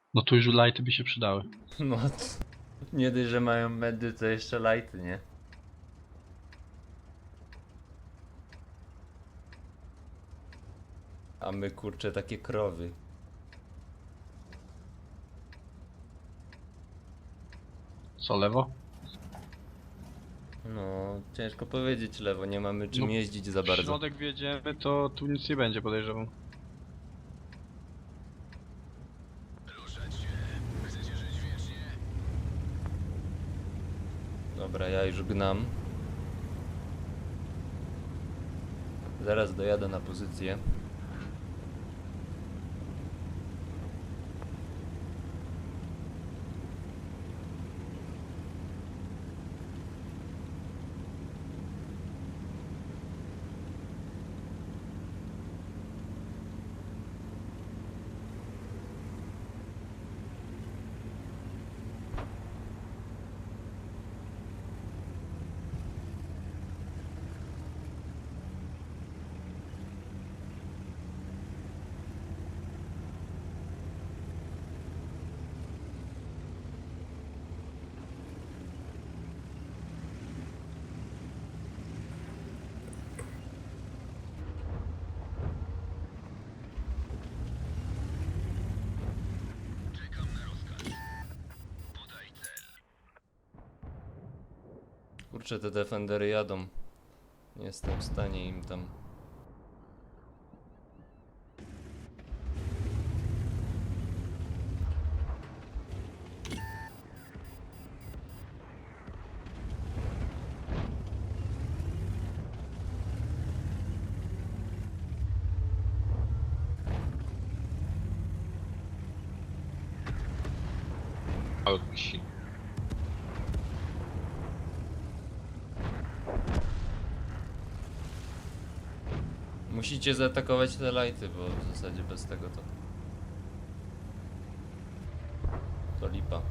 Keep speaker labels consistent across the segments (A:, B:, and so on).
A: No tu już lighty by się przydały.
B: No, nie dość, że mają medy, to jeszcze lighty, nie? A my kurczę takie krowy.
A: Co, lewo?
B: No, ciężko powiedzieć lewo, nie mamy czym
A: No,
B: jeździć za
A: W
B: bardzo.
A: środek wjedziemy, to tu nic nie będzie, podejrzewam.
B: Dobra, ja już gnam. Zaraz dojadę na pozycję. Kurczę, te defendery jadą. Nie jestem w stanie im tam.
A: Auci.
B: Musicie zaatakować te lighty, bo w zasadzie bez tego to lipa.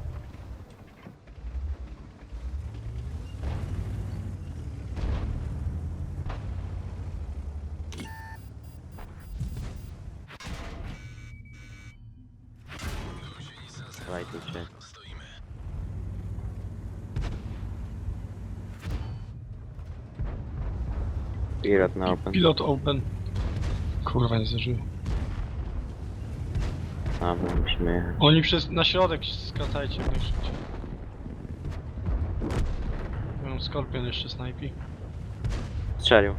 C: Lajtujcie. Pilot na open.
A: Pilot open. Kurwa, nie zdążyłem.
C: A, my musimy jechać.
A: Oni na środek skracajcie jak najszybciej. Mam Skorpion jeszcze snajpi.
C: Strzelił.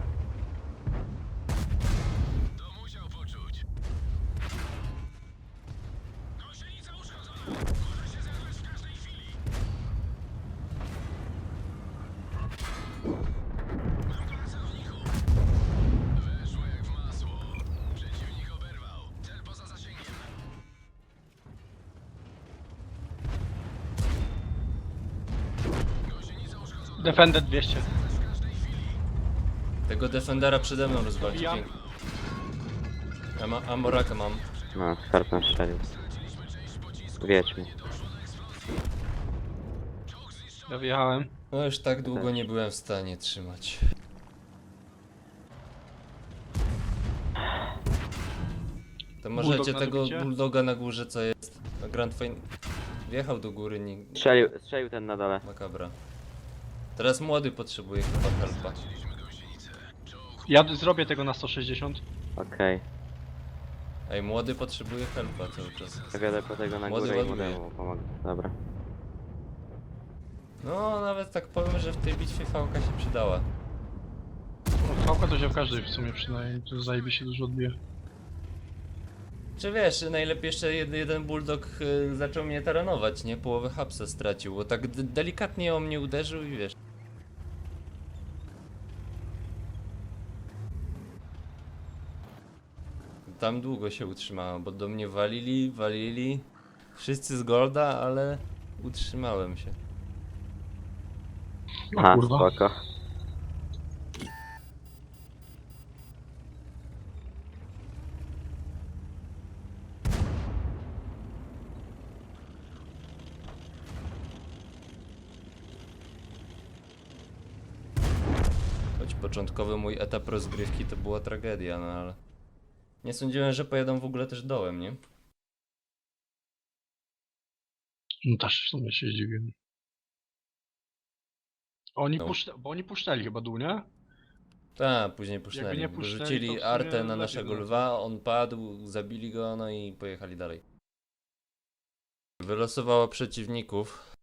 A: Defender 200.
B: Tego defendera przede mną rozwalić.
A: Wbijam.
B: Ja Amoraka mam.
C: No, Skorpion strzelił. Wiedźmy.
A: Ja wjechałem.
B: No już tak długo nie byłem w stanie trzymać. To możecie
A: Bulldog na
B: tego
A: dobicie?
B: bulldoga na górze, co jest na Grand Fine. Wjechał do góry, nie.
C: Strzelił ten na dole.
B: Makabra. Teraz młody potrzebuje chyba helpa.
A: Ja zrobię tego na 160.
C: Okej.
B: Ej, młody potrzebuje helpa cały czas.
C: Ja wjadę po tego na
B: Młody
C: górę i
B: ładuje.
C: młodemu pomogę. Dobra.
B: No, nawet tak powiem, że w tej bitwie fałka się przydała.
A: No, Fałka to się w każdej w sumie przydaje. To zajebiście dużo odbije.
B: Czy wiesz, najlepiej jeszcze jeden bulldog zaczął mnie taranować, nie? Połowę hapsa stracił, bo tak delikatnie o mnie uderzył i wiesz. Tam długo się utrzymałem, bo do mnie walili, wszyscy z golda, ale utrzymałem się.
A: No
C: Aha,
A: kurwa.
C: spoko.
B: Choć początkowy mój etap rozgrywki to była tragedia, no ale... Nie sądziłem, że pojadą w ogóle też dołem, nie?
A: No też w sumie się zdziwiłem. Oni
B: No.
A: bo oni puszczali chyba dół, nie?
B: Tak, później
A: Jakby
B: pusznęli.
A: nie puszczali, to
B: Rzucili
A: w sumie
B: artę na
A: lepiej
B: naszego
A: było.
B: lwa, on padł, zabili go, no i pojechali dalej. Wylosowało przeciwników.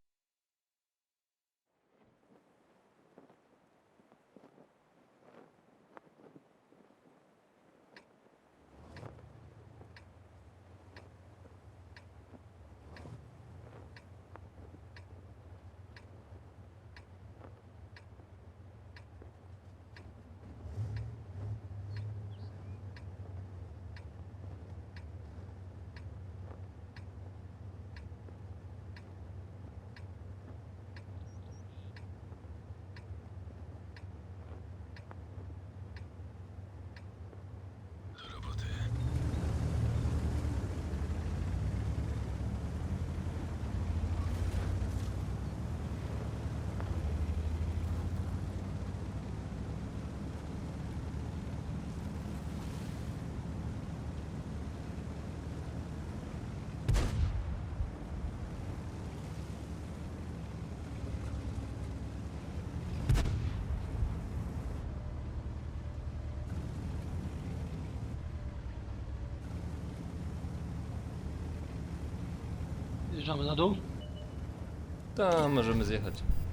A: Zjeżdżamy na dół?
B: To możemy zjechać.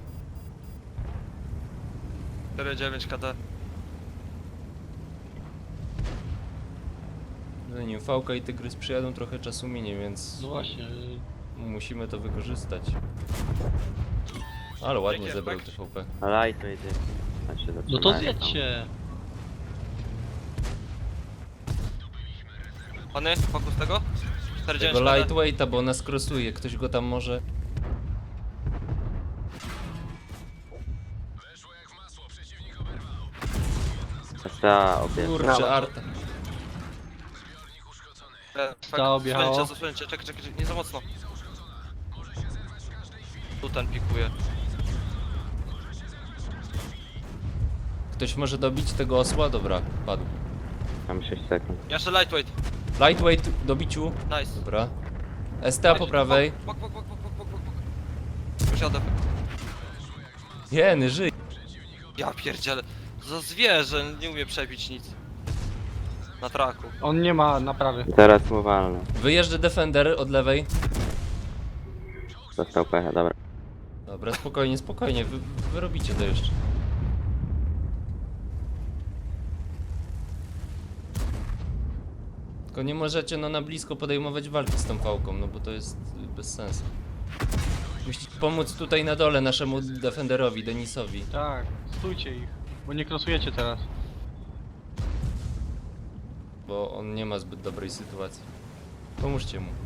D: 4,9 KD.
B: Zanim Fałka i Tygrys przyjadą, trochę czasu minie, więc
A: No właśnie.
B: musimy to wykorzystać. Ale ładnie
D: Dzięki,
B: zebrał
D: Efek.
B: TVP.
C: Ale to idzie. Znaczy,
A: No to
C: zatrzymałem tam.
A: zjedźcie.
D: Pany, fokus tego? 4,9
B: Tego
D: KD.
B: lightweighta, bo nas krosuje, ktoś go tam może...
C: Ta obie.
B: Kurczę, Arta.
A: Ta objechała.
D: Zasłonięcie, czekaj, nie za mocno. Tu ten pikuje.
B: Ktoś może dobić tego osła? Dobra, padł.
C: Mam 6 sekund.
D: Jeszcze lightweight.
B: Lightweight do biciu.
D: Nice.
B: Dobra. STA po prawej.
D: Bok. Wysiadę.
B: Jeny, żyj.
D: Ja pierdzielę. Za zwierzę, nie umie przebić nic. Na traku.
A: On nie ma naprawy.
C: Teraz mu walnę.
B: Wyjeżdża Defender od lewej.
C: Dostał pecha, dobra.
B: Dobra, spokojnie, spokojnie. Wy robicie to jeszcze. Tylko nie możecie no na blisko podejmować walki z tą pałką, no bo to jest bez sensu. Musicie pomóc tutaj na dole naszemu Defenderowi, Denisowi.
A: Tak, stójcie ich. Bo nie krosujecie teraz.
B: Bo on nie ma zbyt dobrej sytuacji. Pomóżcie mu.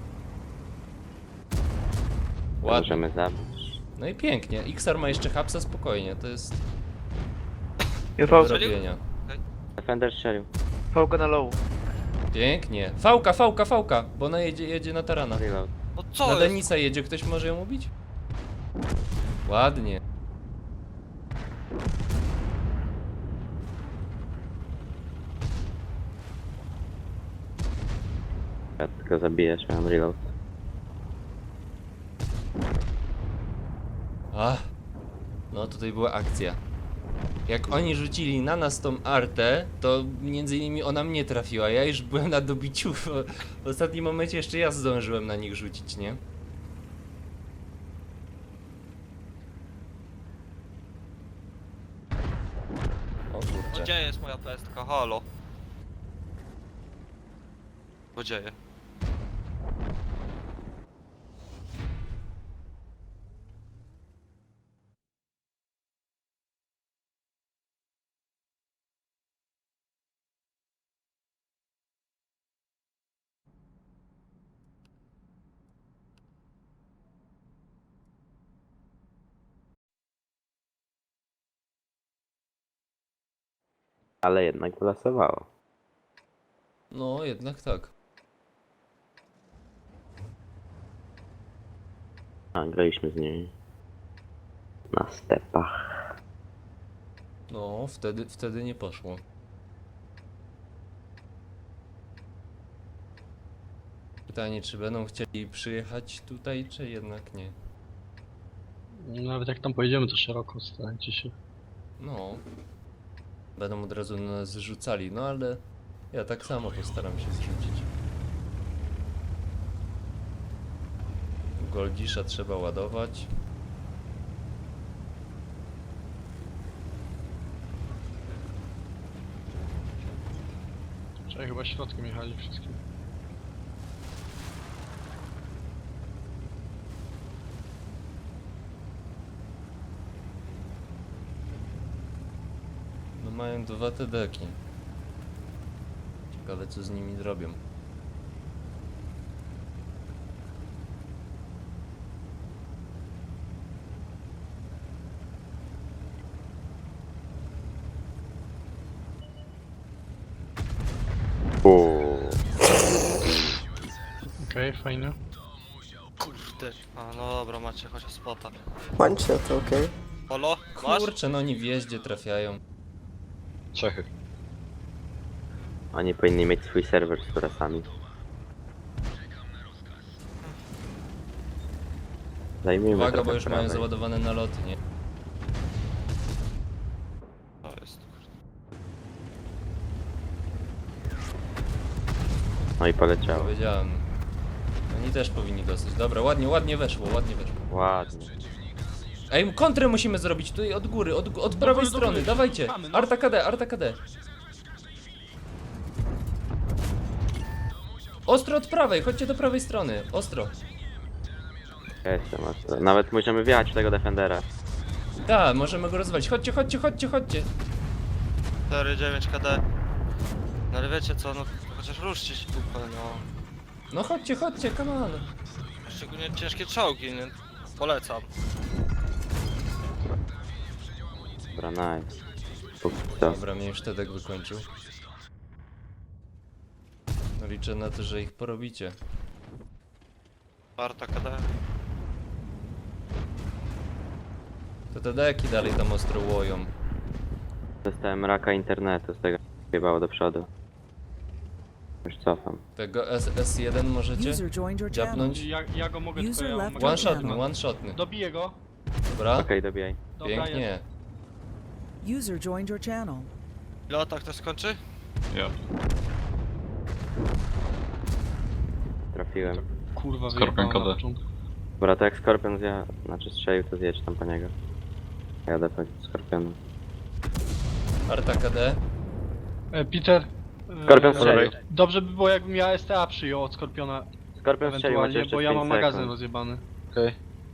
B: Ładnie.
C: Możemy zabić.
B: No i pięknie. Xar ma jeszcze hapsa, spokojnie, to jest
E: Ja
B: do
E: fałka,
B: zrobienia.
C: Defender strzelił.
E: fałka na low.
B: Pięknie. Fałka, bo ona jedzie na tarana.
C: Reload.
D: No
B: Na
D: co jest?
B: Denisa jedzie, ktoś może ją ubić? Ładnie.
C: Ja tylko zabijesz, miałem reload.
B: Ach. No tutaj była akcja. Jak oni rzucili na nas tą artę, to między innymi ona mnie trafiła. Ja już byłem na dobiciu. W ostatnim momencie jeszcze ja zdążyłem na nich rzucić, nie? O
D: No
B: kurczę.
D: gdzie jest moja pestka? Halo. Co dzieje?
C: Ale jednak wylasowało.
B: No jednak tak.
C: A, graliśmy z nimi. Na stepach.
B: No, wtedy nie poszło. Pytanie, czy będą chcieli przyjechać tutaj, czy jednak nie?
A: Nawet jak tam pojedziemy, to szeroko starajcie się.
B: No. Będą od razu na nas rzucali, no ale ja tak samo postaram się zrzucić. Goldisza trzeba ładować.
A: Czekaj, chyba środkiem jechali wszystkie.
B: No mają 2 TD-ki. Ciekawe co z nimi zrobią.
C: Uuu.
A: Okej, fajnie.
D: Kurde. A no dobra, macie chociaż spota.
F: One shot, okay.
D: Polo, masz?
B: Kurczę, no oni w jeździe trafiają.
A: Czechy.
C: Oni powinni mieć swój serwer z turasami. Zajmijmy
B: Uwaga,
C: trochę
B: bo już mają
C: prawej.
B: załadowane naloty, nie?
D: To jest.
C: No i poleciało.
B: Powiedziałem. Oni też powinni dostać. Dobra, ładnie, ładnie weszło, ładnie weszło.
C: Ładnie.
B: Ej, kontrę musimy zrobić tutaj od góry, od prawej
A: góry, do
B: strony,
A: góry.
B: dawajcie.
A: Mamy, no.
B: Arta KD, Arta KD. Ostro od prawej, chodźcie do prawej strony, ostro.
C: Ja jestem ostro. Nawet możemy wjechać w tego defendera.
B: Tak, możemy go rozwalić. Chodźcie, chodźcie, chodźcie, chodźcie.
D: 4-9 KD. No ale wiecie co, no chociaż ruszcie się dupę, no.
B: No chodźcie, chodźcie, come on.
D: Szczególnie ciężkie czołgi, nie? Polecam.
C: Dobra, nice. Póki co.
B: Dobra, mnie już Tedek wykończył. No liczę na to, że ich porobicie.
D: Warta KD.
B: To Tedeki dalej tam ostro łoją.
C: Dostałem raka internetu, z tego wjebało do przodu. Już cofam.
B: Tego S1 możecie
G: User joined your channel.
B: dziapnąć?
A: Ja go mogę,
G: User
A: tylko ja
G: left
A: mam
G: your
B: One-shotny, one-shotny.
A: Dobiję go.
B: Dobra,
C: Okej, dobijaj.
A: Dobra,
B: pięknie.
A: jest.
G: User joined your channel.
D: Ile atak to skończy?
A: Ja.
C: Trafiłem.
A: Kurwa,
H: Skorpion
A: wyjebałem na
H: KD.
A: początku.
C: Dobra, to jak Skorpion znaczy strzelił, to zjedź tam po niego. Jadę po Skorpionu.
B: Arta KD.
A: Peter.
C: Skorpion strzelił.
A: Dobrze by było, jakbym ja STA przyjął od Skorpiona
C: Skorpion strzelił, macie
A: ewentualnie,
C: jeszcze
A: bo ja
C: 5
A: mam magazyn
C: sekund.
A: rozjebany.
H: Okej.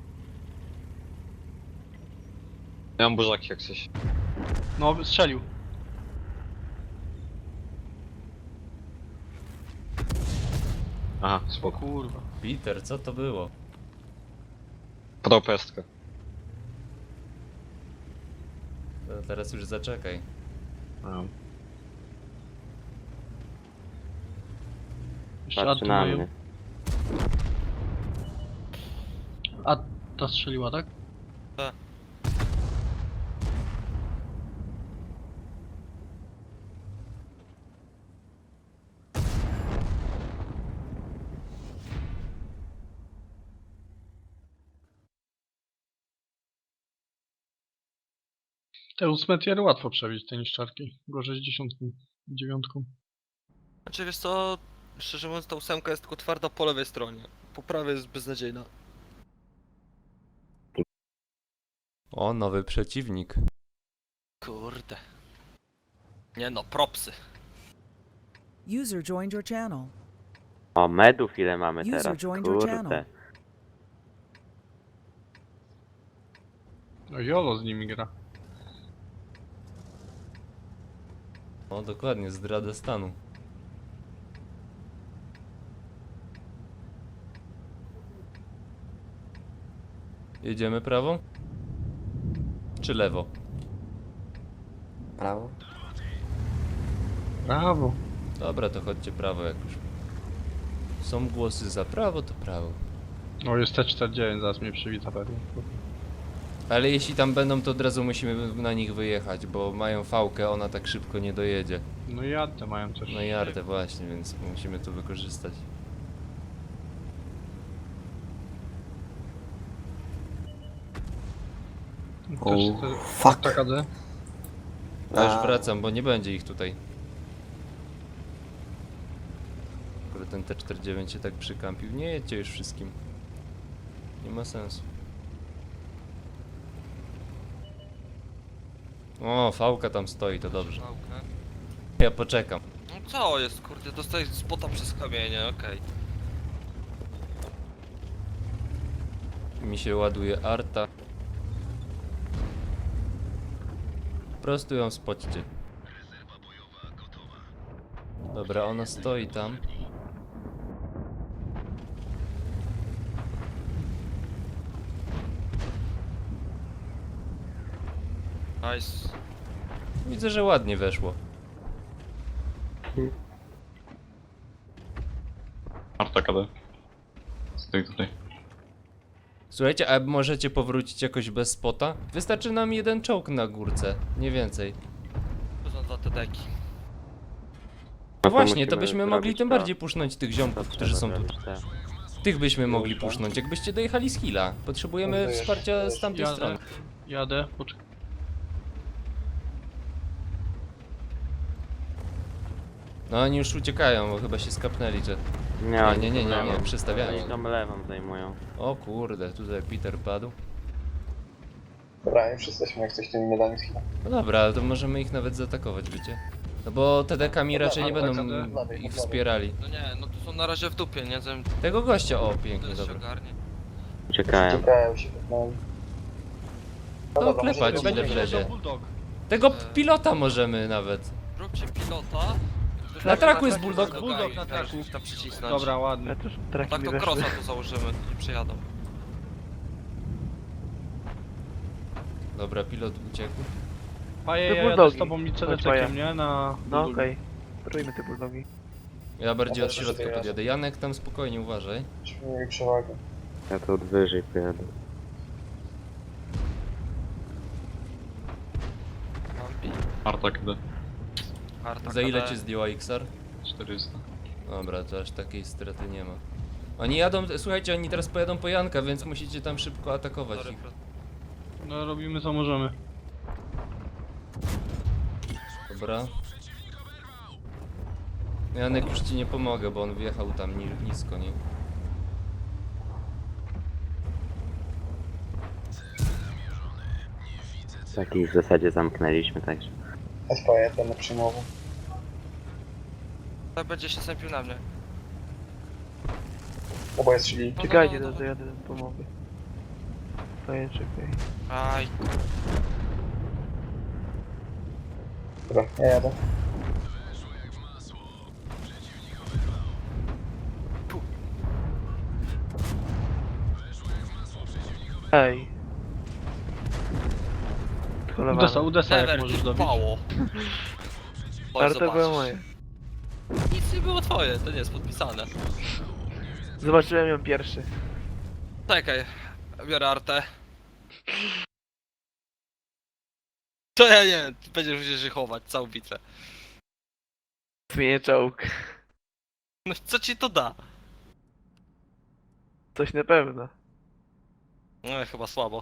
H: Ja mam burzaki jak coś.
A: No, strzelił.
H: Aha,
A: O
H: spoko.
A: kurwa.
B: Peter, co to było?
H: Podał pestkę.
B: To teraz już zaczekaj.
H: A,
A: Jeszcze
C: Patrzy na
A: Artur
C: mnie.
A: A ta strzeliła, tak?
D: Tak.
A: Te 8 tiery łatwo przebić, te niszczarki. Gorzej z 10, 9.
D: Znaczy wiesz co, szczerze mówiąc ta 8 jest tylko twarda po lewej stronie. Po prawej jest beznadziejna.
B: O, nowy przeciwnik.
D: Kurde. Nie no, propsy.
G: User joined your channel.
C: O, medów ile mamy
G: User
C: teraz,
G: joined your
C: kurde.
G: channel.
A: No Jolo z nimi gra.
B: O, dokładnie, zdrada stanu. Jedziemy prawo? Czy lewo?
F: Prawo.
A: Brawo.
B: Dobra, to chodźcie prawo jak już. Są głosy za prawo, to prawo.
A: O, jest T49, zaraz mnie przywita pewnie.
B: Ale jeśli tam będą, to od razu musimy na nich wyjechać, bo mają fałkę, ona tak szybko nie dojedzie.
A: No i Artę mają też.
B: No i Artę właśnie, więc musimy to wykorzystać.
F: Fuck.
A: TKD.
B: Ja już wracam, bo nie będzie ich tutaj. Akurat ten T49 się tak przykampił. Nie jedźcie już wszystkim. Nie ma sensu. O, fałka tam stoi, to dobrze.
D: Pałkę.
B: Ja poczekam.
D: No co jest, kurde, dostajesz spota przez kamienie, okej.
B: Mi się ładuje arta. Po prostu ją spoćcie. Dobra, ona stoi tam.
D: Nice.
B: Widzę, że ładnie weszło.
H: Arta KD. Stoi tutaj.
B: Słuchajcie, a możecie powrócić jakoś bez spota? Wystarczy nam jeden czołg na górce, nie więcej.
D: To są 2 TD-ki.
B: No właśnie,
C: musimy
B: to byśmy mogli
C: zrobić
B: tym
C: to.
B: bardziej pusznąć tych ziomków, którzy
C: Trzeba
B: są tu.
C: zrobić te.
B: Tych byśmy mogli pusznąć, jakbyście dojechali z Hilla. Potrzebujemy wsparcia z tamtej strony.
A: Jadę, poczekaj.
B: No oni już uciekają, bo chyba się skapnęli, że...
C: Nie,
B: Nie, przystawiają.
C: Oni tam lewą zajmują.
B: O kurde, tutaj Peter padł.
I: Dobra, już jesteśmy jak coś tymi medami z chwilą.
B: No dobra, ale to możemy ich nawet zaatakować, wiecie? No bo TDK-mi raczej nie będą ich wspierali.
D: No nie, no to są na razie w dupie, nie wiem,
B: Tego gościa, o pięknie,
D: to się
B: dobra.
D: ogarnie.
C: Uciekają.
I: Czekają się no.
B: To klepać ile wlezie.
A: Bulldog.
B: Tego pilota możemy nawet.
D: Róbcie pilota.
B: Na traku jest bulldog.
A: Bulldog na traku.
D: Tam przycisnąć.
A: Dobra, ładnie.
E: Ja też traki
D: Tak
E: mi
D: to
E: weszły.
D: crossa tu założymy, nie przejadą.
B: Dobra, pilot uciekł.
A: Paje,
E: Te
A: ja jadę z
E: bulldogi.
A: tobą i
E: Chodź,
A: cedetekiem,
E: Paja.
A: nie? Na...
E: No okej. Rójmy te bulldogi.
B: Ja bardziej od
I: Dobra,
B: środka
I: to ja.
B: podjadę. Janek tam spokojnie, uważaj.
I: Żebyśmy mieli przewagę.
C: Ja tu od wyżej pojadę.
D: Ampi.
H: Arta KD.
D: Arta
B: Za ile
D: KD.
B: cię zdjęła XR?
H: 400.
B: Dobra, to aż takiej straty nie ma. Oni jadą, słuchajcie, oni teraz pojadą po Janka, więc musicie tam szybko atakować
D: Sorry,
B: ich.
A: No robimy co możemy.
B: Dobra. Janek już ci nie pomogę, bo on wjechał tam nisko, nie?
C: Takich w zasadzie zamknęliśmy, także.
I: SPE będę przyjmował.
D: Tak będzie się sępił na mnie.
I: Oboje strzeli.
E: Czekajcie, to jadę, pomogę. Stoję, czekaj.
D: Aj,
I: Dobra, ja jadę.
E: Ej.
A: Udesa, Udesa jak
D: Sever,
A: możesz
D: ty
A: dobić.
D: pało. Chodź,
E: Arta była
D: zobaczysz.
E: moja.
D: Nic nie było twoje, to nie jest podpisane.
E: Zobaczyłem ją pierwszy.
D: Czekaj, biorę artę. To ja nie, ty będziesz musisz żychować całą bitwę.
E: Zmienię czołg.
D: No co ci to da?
E: Coś na pewno.
D: No chyba słabo.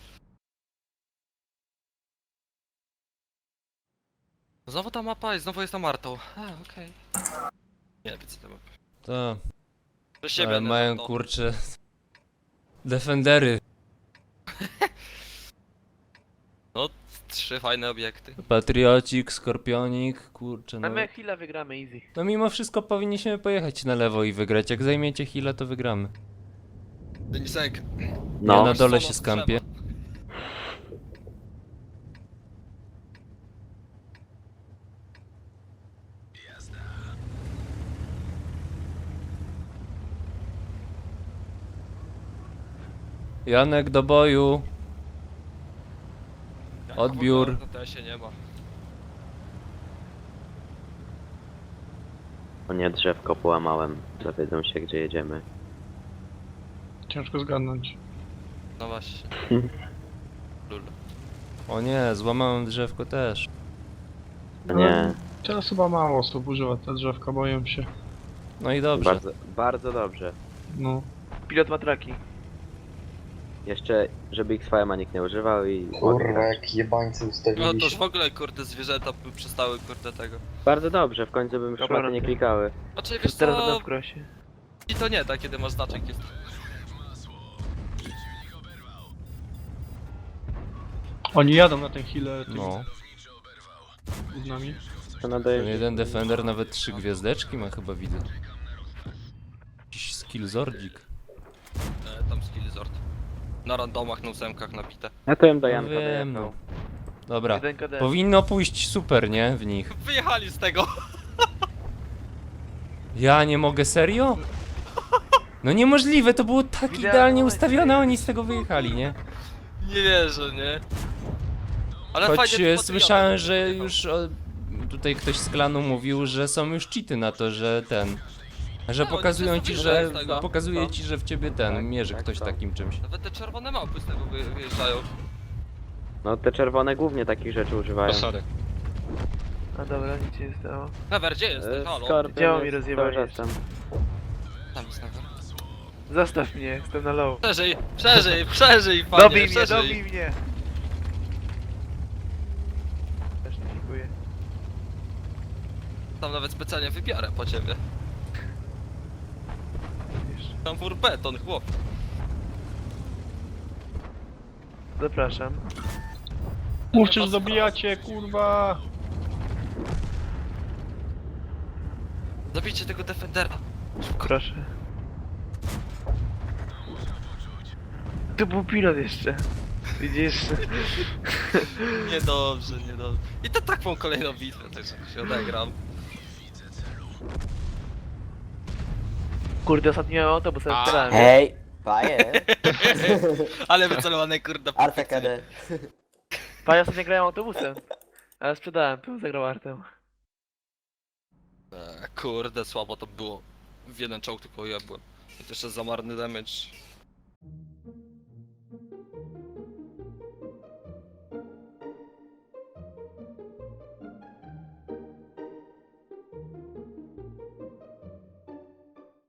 D: Znowu ta mapa i znowu jest tam Artą. A, okej. Nie wiem co to mapy.
B: To,
D: Do siebie,
B: ale
D: nie,
B: mają
D: no.
B: kurcze... Defendery.
D: 3 fajne obiekty.
B: Patriocik, Skorpionik, kurczę no.
E: Na my chwilę wygramy easy.
B: No mimo wszystko powinniśmy pojechać na lewo i wygrać. Jak zajmiecie Hila, to wygramy.
D: Denisek.
B: Ja
C: No,
B: na dole
D: Solo
B: się skampię.
D: trzeba.
B: Janek do boju.
D: Jak
B: Odbiór.
D: w ogóle się nie ma.
C: o nie, drzewko połamałem. Dowiedzą się, gdzie jedziemy.
A: Ciężko zgadnąć.
D: No właśnie. Lul.
B: O nie, złamałem drzewko też.
C: No nie,
A: Teraz chyba mało osób używa te drzewka, boję się.
B: No i dobrze.
C: bardzo, bardzo dobrze.
A: No.
E: Pilot ma traki.
C: Jeszcze, żeby XVM-a nikt nie używał i...
I: Kurwa, jak jebańcy
D: No
I: ustawili
D: to już
I: się.
D: w ogóle kurde zwierzęta by przestały kurde tego.
C: Bardzo dobrze, w końcu bym
E: Dobra,
C: szmaty nie klikały.
D: Znaczy wiesz
E: Teraz będę
D: co,
E: w krosie.
D: i to nie tak, kiedy masz znaczek jest.
A: Oni jadą na ten healer tymi
B: No.
A: gównami.
C: To
B: Ten
C: nadaje...
B: jeden Defender nawet 3 gwiazdeczki ma chyba, widzę. Jakiś skillzordzik.
D: Tam skillzord. Na randomach, na ósemkach nabite.
C: Ja to jem do
B: No
C: Janka
B: wiem,
C: dojechał.
B: Dobra.
E: 1KD.
B: Powinno pójść super, nie? W nich.
D: Wyjechali z tego!
B: Ja nie mogę, serio? No niemożliwe, to było tak
E: Idealnie
B: idealnie ustawione, a oni z tego wyjechali, nie?
D: Nie wierzę, nie? Ale
B: Choć
D: fajnie to
B: słyszałem,
D: patriotą
B: że
D: wyjechał.
B: już tutaj ktoś z klanu mówił, że są już cheaty na to, że ten... Że
D: No,
B: pokazują
D: oni
B: ci,
D: wszyscy
B: że...
D: wyjdą z tego.
B: Pokazuje ci, że w ciebie ten...
C: Tak,
B: Mierzy
C: tak,
B: ktoś
C: tak.
B: takim czymś.
D: Nawet te czerwone małpy z tego wyjeżdżają.
C: No te czerwone głównie takich rzeczy używają.
H: Posady.
E: A dobra, nic się nie stało.
D: Never, gdzie jesteś? Halo?
E: Działo mi
C: jest
E: rozjebanie
C: cały czas tam.
D: Tam jest Never.
E: Zostaw mnie, jestem na low.
D: Przeżyj, przeżyj, przeżyj, panie,
E: Dobij mnie,
D: przeżyj.
E: dobij mnie! Też nie dziękuję.
D: Tam nawet specjalnie wybiorę po ciebie. Tam fur beton, chłop.
E: Zapraszam.
A: Mówcie, że dobijacie, kurwa!
D: Zabijcie tego Defendera.
E: Proszę. Tu był pilot jeszcze. Widzisz?
D: Niedobrze, niedobrze. I to taką kolejną bitwę też się odegram.
E: Kurde, ostatnio miałem autobus, ale sprzedałem.
F: Hej, paje,
D: Ale wycelowane kurde.
F: Arta KD.
E: Panie, ostatnio grałem autobusem. Ale sprzedałem, tu zagrał Artem.
D: Kurde, słabo to było. W jeden czołg tylko ja byłem. I to jeszcze za marny damage.